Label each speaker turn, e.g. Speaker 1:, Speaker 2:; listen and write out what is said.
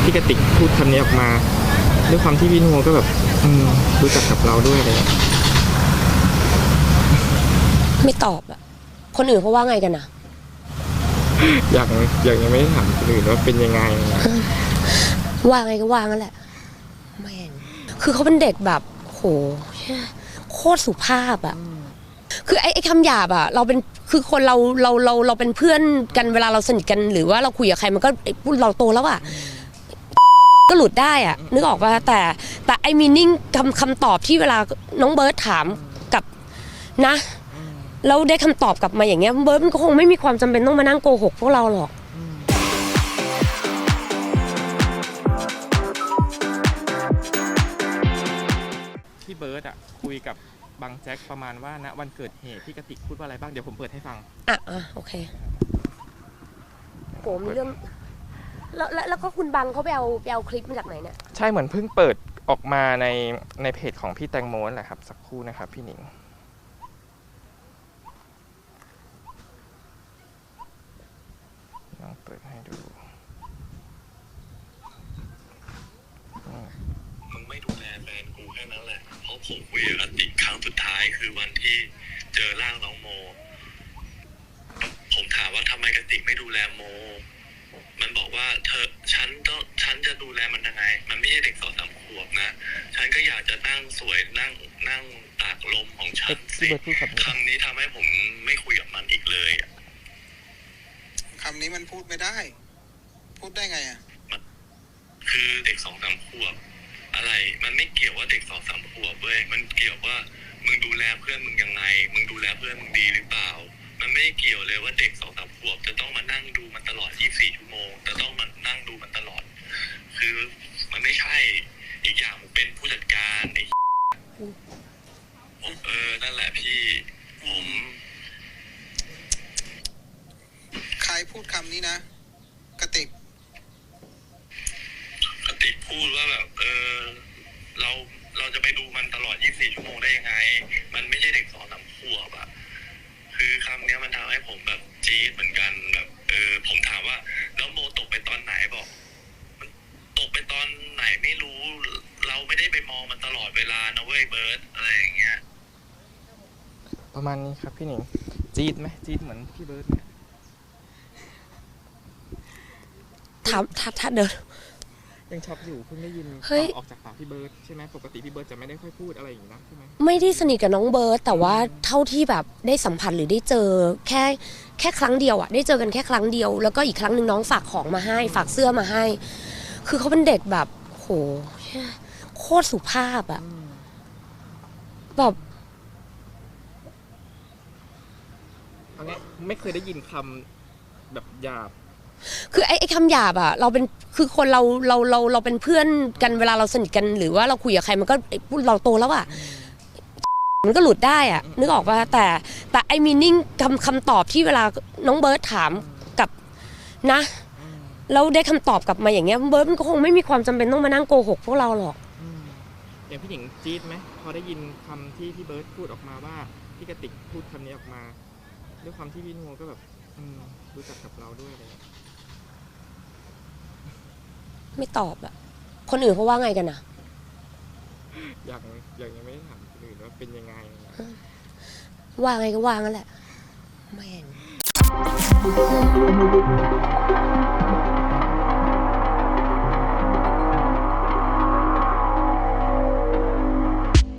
Speaker 1: พี่กติกพูดคำนี้ออกมาด้วยความที่พี่นัวก็แบบรู้จักกับเราด้วยเลย
Speaker 2: ไม่ตอบอะคนอื่นเขาว่าไงกันนะ
Speaker 1: อย่างยังไม่ได้ถามคนอื่นว่าเป็นยังไง
Speaker 2: ว่าไงก็ว่างั้นแหละแม่งคือเขาเป็นเด็กแบบโหโคตรสุภาพอะคือไอ้คำหยาบอะเราเป็นคือคนเราเป็นเพื่อนกันเวลาเราสนิทกันหรือว่าเราคุยกับใครมันก็เราโตแล้วอะก็หลุดได้อะนึกออกป่ะแต่ไอ้มีนิ่งคำตอบที่เวลาน้องเบิร์ตถามกับนะแล้วได้คำตอบกลับมาอย่างเงี้ยเบิร์ตมันก็คงไม่มีความจำเป็นต้องมานั่งโกหกพวกเราหรอก
Speaker 1: พี่เบิร์ตคุยกับบังแจ็คประมาณว่าณวันเกิดเหตุพี่กติกพูดว่าอะไรบ้างเดี๋ยวผมเปิดให้ฟัง
Speaker 2: โอเคโหมีเรื่องแล้วก็คุณบังเขาไปเอาคลิปมาจากไหนเนี่ย
Speaker 1: ใช่เหมือนเพิ่งเปิดออกมาในเพจของพี่แตงโมนั่นแหละครับสักครู่นะครับพี่หนิงลองเปิดให้ดู
Speaker 3: มึงไม่ดูแลแฟนกูแค่นั้นแหละเพราะผมคุยกับกติกครั้งสุดท้ายคือวันที่เจอร่างน้องโมผมถามว่าทำไมกติกไม่ดูแลโมมันบอกว่าฉันจะดูแลมันยังไงมันไม่ใช่เด็ก2-3 ขวบนะฉันก็อยากจะนั่งสวยนั่งตากลมของฉันสิคำนี้ทำให้ผมไม่คุยกับมันอีกเลย
Speaker 4: คำนี้มันพูดไม่ได้พูดได้ไง
Speaker 3: คือเด็ก2-3 ขวบอะไรมันไม่เกี่ยวว่าเด็ก2-3 ขวบเว้ยมันเกี่ยวว่ามึงดูแลเพื่อนมึงยังไงมึงดูแลเพื่อนมึงดีหรือเปล่ามันไม่เกี่ยวเลยว่าเด็ก2-3 ขวบจะต้องมานั่งดูมันตลอด24 ชั่วโมงจะต้องมานั่งดูมันตลอดคือมันไม่ใช่อีกอย่างผมเป็นผู้จัดการไอ้นั่นแหละพี่ผม
Speaker 4: ใครพูดคำนี้นะกติก
Speaker 3: พูดว่าแบบเราจะไปดูมันตลอด24 ชั่วโมงได้ยังไงมันไม่ใช่เด็ก2-3 ขวบคือคำนี้มันทำให้ผมแบบจี๊ดเหมือนกันแบบผมถามว่าแล้วโมตกไปตอนไหนบอกมันตกไปตอนไหนไม่รู้เราไม่ได้ไปมองมันตลอดเวลานะเว้ยเบิร์ตอะไรอย่างเงี้ย
Speaker 1: ประมาณนี้ครับพี่หนิงจี๊ดไหมจี๊ดเหมือนพี่เบิร์ตเนี่ย
Speaker 2: ถามถ้าเดิน
Speaker 1: ยังช็อกอยู่เพิ่งได้ยินออกจากปากพี่เบิร์ตใช่ไหมปกติพี่เบิร์ตจะไม่ได้ค่อยพูดอะไรอย่างนี้นะใช่ไหม
Speaker 2: ไม่ได้สนิทกับน้องเบิร์ตแต่ว่าเท่าที่แบบได้สัมผัสหรือได้เจอแค่ครั้งเดียวได้เจอกันแค่ครั้งเดียวแล้วก็อีกครั้งหนึ่งน้องฝากของมาให้ฝากเสื้อมาให้คือเขาเป็นเด็กแบบโหโคตรสุภาพแบบ
Speaker 1: ไม่เคยได้ยินคำแบบหยาบ
Speaker 2: คือไอ้คำหยาบเราเป็นคือคนเราเป็นเพื่อนกันเวลาเราสนิทกันหรือว่าเราคุยกับใครมันก็เราโตแล้วมันก็หลุดได้นึกออกป่ะแต่ไอ้มีนิ่งคำตอบที่เวลาน้องเบิร์ตถามกับนะแล้วได้คำตอบกลับมาอย่างเงี้ยเบิร์ตมันก็คงไม่มีความจำเป็นต้องมานั่งโกหกพวกเราหรอก
Speaker 1: อย่างพี่หญิงจี๊ดไหมพอได้ยินคำที่พี่เบิร์ตพูดออกมาว่าพี่กติกพูดคำนี้ออกมาด้วยความที่พี่นัวก็แบบรู้จักกับเราด้วยเลย
Speaker 2: ไม่ตอบคนอื่นเขาว่าไงกันนะ
Speaker 1: อย่างยังไม่ได้ถามคนอื่นว่าเป็นยังไง
Speaker 2: ว่าไงก็ว่างั้นแหละแม่ง